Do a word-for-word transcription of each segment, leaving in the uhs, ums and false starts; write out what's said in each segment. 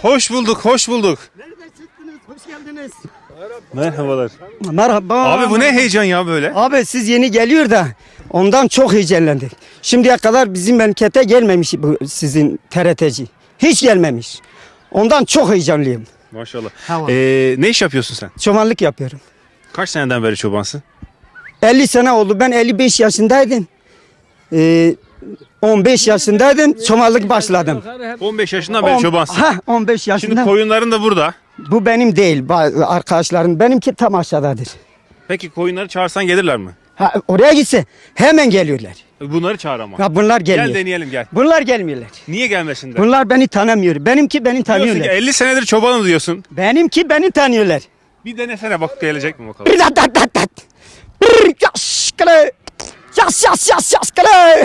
Hoş bulduk, hoş bulduk. Nereden çıktınız? Hoş geldiniz. Merhabalar. Merhaba. Abi bu ne heyecan ya böyle? Abi siz yeni geliyor da ondan çok heyecanlandık. Şimdiye kadar bizim memlekete gelmemiş bu sizin T R T'ci. Hiç gelmemiş. Ondan çok heyecanlıyım. Maşallah. Tamam. Ee, ne iş yapıyorsun sen? Çobanlık yapıyorum. Kaç seneden beri çobansın? elli sene oldu. Ben elli beş yaşındaydım. Ee, on beş yaşındaydım. Çobanlık başladım. on beş yaşından beri On- çobansın. Ha, on beş Şimdi yaşında. koyunların da burada. Bu benim değil. Bazı arkadaşlarım. Benimki tam aşağıdadır. Peki koyunları çağırsan gelirler mi? Ha, oraya gitse hemen geliyorlar. Bunları çağır ama. Ha, bunlar gelmiyor. Gel deneyelim gel. Bunlar gelmiyorlar. Niye gelmesinler? Bunlar beni tanımıyor. Benimki beni Diyorsun ki tanıyorlar. elli senedir çobanım diyorsun. Benimki beni tanıyorlar. Bir denesene bak gelecek mi bakalım. Bir dat dat dat dat. Bir yaş kale. Yas yas yas yas kale.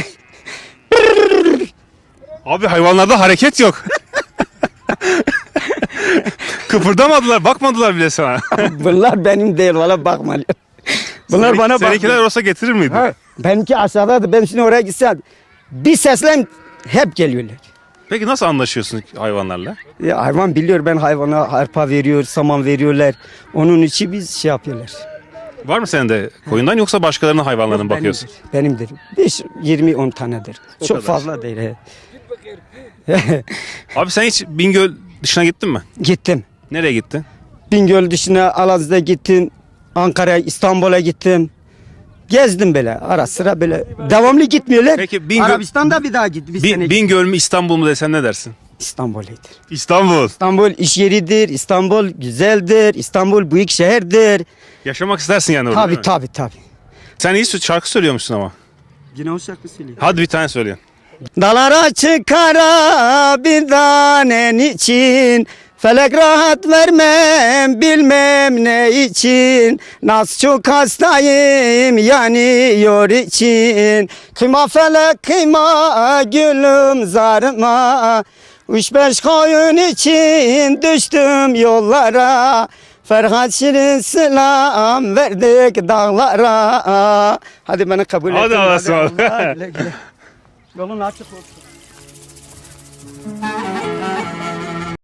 Abi hayvanlarda hareket yok. Kıpırdamadılar, bakmadılar bile sana. Bunlar benim değil valla bakma. Bunlar Senin- bana Seninkiler bakmıyor. olsa getirir miydin? Ha, benimki aşağıdadır. Ben şimdi oraya gitsem bir seslem hep geliyorlar. Peki nasıl anlaşıyorsun hayvanlarla? Ya hayvan biliyor ben hayvana arpa veriyor, saman veriyorlar. Onun için biz şey yapıyorlar. Var mı senin de koyundan yoksa başkalarının hayvanlarına mı bakıyorsun? Benimdir. benimdir. beş yirmi on tanedir. O Çok kadar. fazla değil. he. Abi sen hiç Bingöl dışına gittin mi? Gittim. Nereye gittin? Bingöl dışına Alaz'da gittim. Ankara'ya, İstanbul'a gittim. Gezdim böyle ara sıra böyle. Devamlı gitmiyorlar. Peki Bingöl- Arabistan'da bir daha git. Bir Bi- sene Bingöl mü İstanbul mu desen ne dersin? İstanbul'uydur. İstanbul. İstanbul iş yeridir. İstanbul güzeldir. İstanbul büyük şehirdir. Yaşamak istersin yani orada Tabi değil mi? tabi tabi. Sen iyi şarkı söylüyormuşsun ama. Yine o şarkı söylüyor. Hadi bir tane söyle. Dalara çıkara bir tanen için. Felek rahat vermem bilmem ne için. Nasıl çok hastayım yanıyor için. Kıyma felek kıyma gülüm zarıma. Üç beş koyun için düştüm yollara. Ferhat Şirin selam verdik dağlara. Hadi beni kabul et. Hadi Allah'a ısmarladık. Yolun açık olsun.